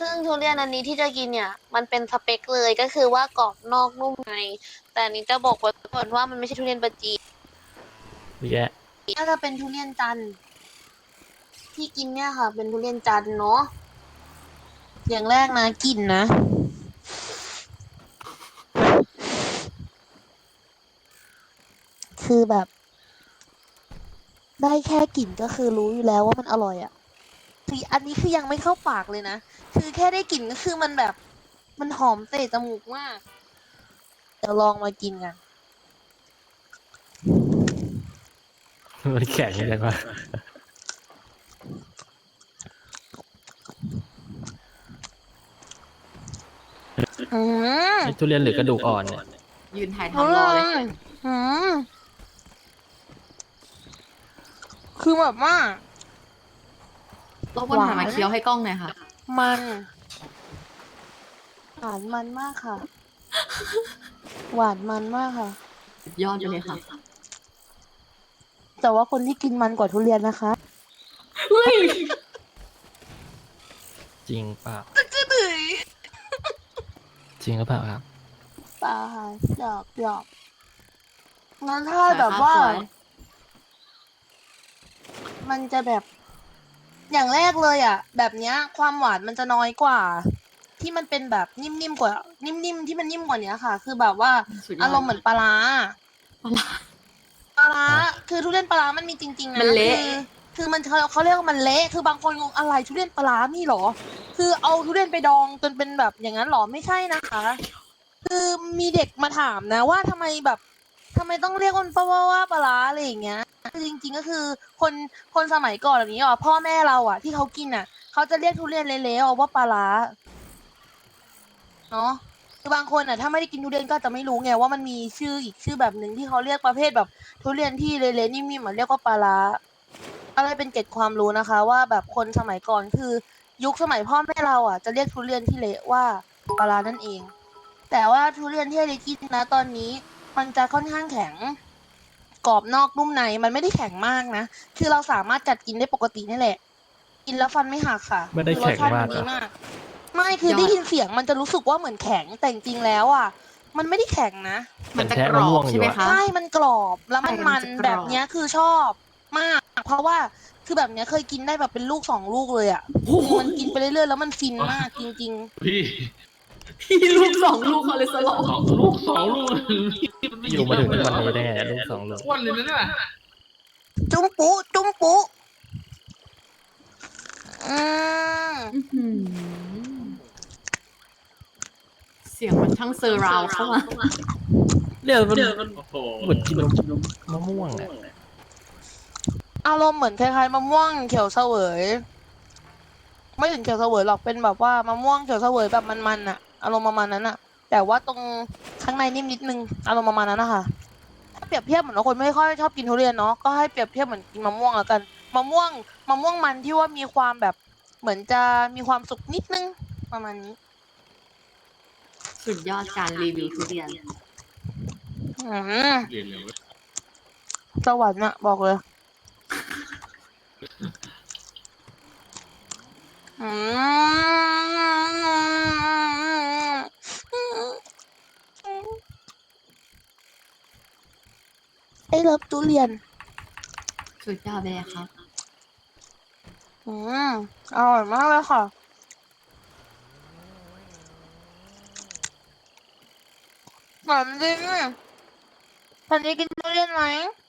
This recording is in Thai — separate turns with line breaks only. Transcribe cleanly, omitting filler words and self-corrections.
ซึ่งทุเรียนอันนี้ที่จะกินเนี่ยมันเป็นสเปคเลยก็คือว่ากรอบนอกนุ่มในแต่อันนี้จะบอกไว้ก่อนว่ามันไม่ใช่ทุเรียนปาจีน
แย่
น่าจะเป็นทุเรียนจันทร์ที่กินเนี่ยค่ะเป็นทุเรียนจันทร์เนาะอย่างแรกนะกลิ่นนะคือแบบได้แค่กลิ่นก็คือรู้อยู่แล้วว่ามันอร่อยอ่ะคืออันนี้คือยังไม่เข้าปากเลยนะคือแค่ได้กลิ่นก็คือมันแบบมันหอมเตะจมูกมากเดี๋ยวลองมากินกัน
มันแข็งจังวะ
อืม
ทุเรียนหรือกระดูกอ่อนเนี่ย
ยืนถ่าย
อื
ทำรอเลย
มอืมคือแบบว่า
รบกวนหันมาเคี้ยวให้กล้องหน่อยค่ะ
มันหวานมันมากค่ะ หวานมันมากค่ะ
สุดยอดไปเลยค่ะ
แต่ว่าคนที่กินมันกว่าทุเรียนนะคะ
เฮ้ย
จริงเปล่า
จะดื้อ
จริงหรือเปล่าครับ
เปล่าค่ะหยอกหยอกงั้นถ้า
สวย
แบบ
ครับ
ว่า
สวย
มันจะแบบ อย่างแรกเลยอ่ะ แบบเนี้ย ความหวานมันจะน้อยกว่า ที่มันเป็นแบบนิ่มๆกว่า นิ่มๆที่มันนิ่มกว่านี้ค่ะ คือแบบว่า
สุดยอ
อา
ด
รมณ์เหมือนปลาร้า
ปลาร้า
ปลาร้า
อ่ะ
คือทุเรียนปลาร้ามันมีจริงๆ
มั
นะ
นเละ
คือมันเขาเรียกว่ามันเละ คือบางคนงงอะไรทุเรียนปลาร้านี่เหรอ คือเอาทุเรียนไปดองจนเป็นแบบอย่างนั้นเหรอ ไม่ใช่นะคะ คือมีเด็กมาถามนะว่าทำไมแบบทำไมต้องเรียกมันว่าปลาร้าอะไรอย่างเงี้ยคือจริงๆก็คือคนคนสมัยก่อนแบบนี้อ่ะพ่อแม่เราอ่ะที่เขากินอ่ะเขาจะเรียกทุเรียนเละๆว่าปลาร้าเนาะคือบางคนอ่ะถ้าไม่ได้กินทุเรียนก็จะไม่รู้ไงว่ามันมีชื่ออีกชื่อแบบหนึ่งที่เขาเรียกประเภทแบบทุเรียนที่เละๆนิ่มๆเหมือนเรียกว่าปลาร้าอะไรเป็นเกร็ดความรู้นะคะว่าแบบคนสมัยก่อนคือยุคสมัยพ่อแม่เราอ่ะจะเรียกทุเรียนที่เละว่าปลาร้านั่นเอง แต่ว่าทุเรียนที่เรกินนะตอนนี้มันจะค่อนข้างแข็งกรอบนอกนุ่มในมันไม่ได้แข็งมากนะคือเราสามารถกัดกินได้ปกตินี่แหละกินแล้วฟันไม่หักค่ะ
ไม่ได้
คือรส
แข็ง
ชาติ
มา
มั
ก
น
เหร
ดี
อ
มากไม่คือได้ยินเสียงมันจะรู้สึกว่าเหมือนแข็งแต่จริงๆแล้วอ่ะมันไม่ได้แข็งนะ
มันจะ
แทะ
กร
มะ
อ
ม่ว
บ
ง
ใช่ไหม
อยู่อะ
คะ
ใช่มันกรอบแล้วมัน
ใช่
มั
มัน
น
จะกรอบ
แบบเนี้ยคือชอบมากเพราะว่าคือแบบเนี้ยเคยกินได้แบบเป็นลูกสองลูกเลยอ่ะคือมันกินไปเรื่อยๆแล้วมันฟินมากจริงๆ
พี่
พี่ลูก2 ลูกคอเลสเตอรอล
สองลูกพี่มันไม่
อยู่มาถึง
เย
ทุก
อะ
วัน
เลย
นี้
เหรอ
ได้ไงลูก2 ลูก
อ้วนเลยนะเนี่ย
จุ้มปุ๊จุ้มปุ๊อืม
อื้อหือเสียงมันช่างเซอร์ราวเข้ามา
เนี่ยมัน
โอ้โห
เหมือนกินมะม่วงอะ
อารมณ์เหมือนคล้ายๆมะม่วงเขียวเสวยไม่ถึงเขียวเสวยหรอกเป็นแบบว่ามะม่วงเขียวเสวยแบบมันๆอะอารมณ์ประมาณนั้นอะแต่ว่าตรงข้างในนิ่มนิดนึงอารมณ์ประมาณนั้นนะคะถ้าเปรียบเทียบเหมือนว่าคนไม่ค่อยชอบกินทุเรียนเนาะก็ให้เปรียบเทียบเหมือนกินมะม่วงแล้วกันมะม่วงมันที่ว่ามีความแบบเหมือนจะมีความสุกนิดนึงประมาณนี้
สุดยอดการรีวิวทุเรียน
อืม
เรียนเลยเว้ย
สวรรค์อะบอกเลยอืมไอ้เลิฟทุเรียน
สุดยอดไปเลยครับ
อืมอร่อยมากเลยค่ะหวานจริงอ่ะตอนนี้กินทุเรียนไหม